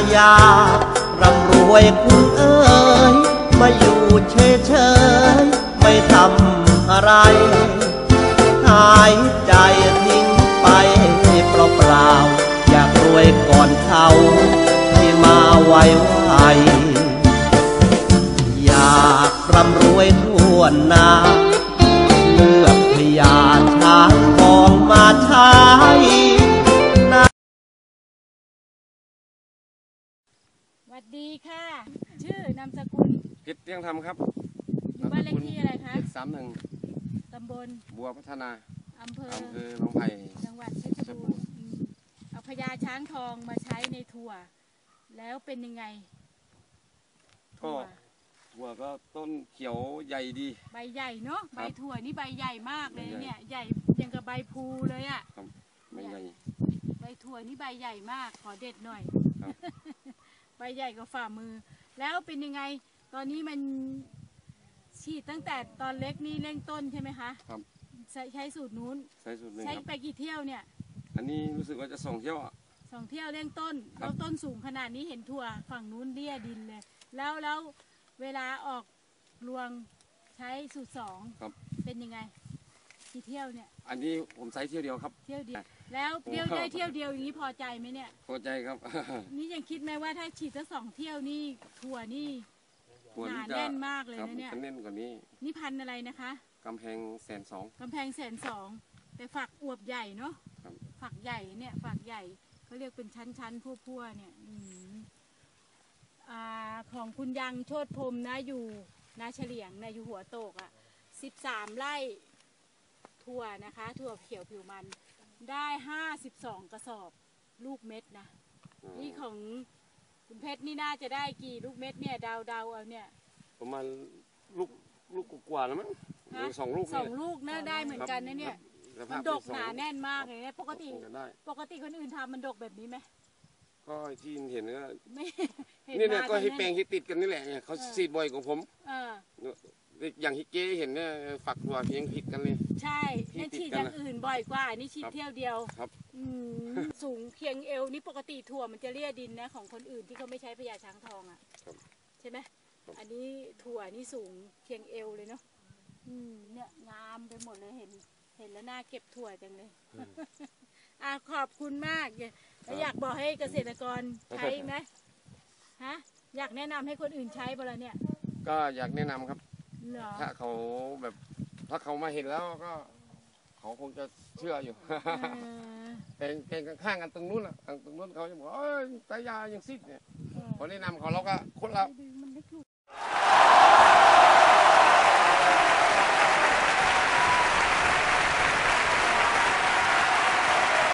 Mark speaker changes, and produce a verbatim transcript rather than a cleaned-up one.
Speaker 1: อยากร่ำรวยคุณเอ๋ยมาอยู่เฉยๆไม่ทำอะไรหายใจทิ้งไปเปล่าๆอยากรวยก่อนเขาที่มาไวไวอยากร่ำรวยทั่วหน้าเลือกพญาช้างทองมาใช้
Speaker 2: สวัสดีค่ะชื่อนามสกุล
Speaker 3: กิตเตียงธรรมครับ
Speaker 2: อยู่บ้านเลขที่อะไรคะ
Speaker 3: เจ็ดสามหนึ่ง
Speaker 2: ตำบล
Speaker 3: บัวพัฒนา
Speaker 2: อำเภอ
Speaker 3: อำเภอหนองไผ่
Speaker 2: จังหวัดเพชรบูรณ์เอาพญาช้างทองมาใช้ในถั่วแล้วเป็นยังไง
Speaker 3: ก็ถั่วก็ต้นเขียวใหญ่ดี
Speaker 2: ใบใหญ่เนาะใบถั่วนี่ใบใหญ่มากเลยเนี่ยใหญ่ยังกับใบพูเลยอ่ะ
Speaker 3: ใบใหญ่
Speaker 2: ใบถั่วนี่ใบใหญ่มากขอเด็ดหน่อยใบใหญ่กว่าฝ่ามือแล้วเป็นยังไงตอนนี้มันฉีดตั้งแต่ตอนเล็กนี่เร่งต้นใช่ไหมคะ
Speaker 3: ครับ
Speaker 2: ใช้สูตรนู้น
Speaker 3: ใช้สูตรนึง
Speaker 2: ใช้ไปกี่เที่ยวเนี่ย
Speaker 3: อันนี้รู้สึกว่าจะสองเที่ยว
Speaker 2: สองเที่ยวเร่งต้นแล้วต้นสูงขนาดนี้เห็นถั่วฝั่งนู้นเลี่ยดินเลยแล้วแล้วเวลาออกรวงใช้สูตรสองเป็นยังไงกี่เที่ยวเนี่ย
Speaker 3: อันนี้ผมใช้เที่ยวเดียวครับ
Speaker 2: เที่ยวเดียวแล้วเที่ยวได้เที่ยวเดียวอย่างนี้พอใจไหมเนี่ย
Speaker 3: พอใจครับ
Speaker 2: นี่ยังคิดไหมว่าถ้าฉีดสักสองเที่ยวนี่ถั่วนี่หนาแน่นมากเลยนะเนี่ย
Speaker 3: แน่นกว่านี้
Speaker 2: นี่พันอะไรนะคะ
Speaker 3: กำแพงแสนสอง
Speaker 2: กำแพงแสนสองแต่ฝักอวบใหญ่เนาะฝักใหญ่เนี่ยฝักใหญ่เขาเรียกเป็นชั้นๆพั่วๆเนี่ยอ่าของคุณยังโชติพรมนะอยู่นาเฉลียงนะอยู่หัวโตกอ่ะสิบสามไร่ถั่วนะคะถั่วเขียวผิวมันได้ห้าสิบสองกระสอบลูกเม็ดนะนี่ของคุณเพชรนี่น่าจะได้กี่ลูกเม็ดเนี่ยดาวดาวเอาเนี่ย
Speaker 3: ประมาณลูกลูกกว่าแล้วมั้งสองลูก
Speaker 2: สองลูกน่าได้เหมือนกันนะเนี่ยมันดกหนาแน่นมากเลยนะปกติปกติคนอื่นทำมันดกแบบนี้ไหม
Speaker 3: ก็ที่เห็นก็นี่เนี่ยก็ให้แปลงที่ติดกันนี่แหละเนี่ยเขาซีดบ่อยกว่าผมอย่างฮิเก้เห็นเนี่ยฝักถั่วเพียงผิดกันเลย
Speaker 2: ใช่นั่นฉีดอย่างอื่นบ่อยกว่านี่ฉีดเที่ยวเดียว
Speaker 3: ครับ
Speaker 2: สูงเพียงเอวนี่ปกติถั่วมันจะเลี่ยดินนะของคนอื่นที่เขาไม่ใช้พญาช้างทองอ่ะใช่ไหมอันนี้ถั่วนี่สูงเพียงเอวเลยเนาะเนี่ยงามไปหมดเลยเห็นเห็นแล้วน่าเก็บถั่วจังเลยอ่ะขอบคุณมากแล้วอยากบอกให้เกษตรกรใช้ไหมฮะอยากแนะนำให้คนอื่นใช้บ่ล่ะเนี่ย
Speaker 3: ก็อยากแนะนำครับถ้าเขาแบบถ้าเขามาเห็นแล้วก็เขาคงจะเชื่ออยู่แต่แต่ข้างกันตรงนู้นอ่ะตรงนู้นเขาจะบอกเอ้ยตายายังซิดเนี่ยพอแนะนำเขาเราก็คนละ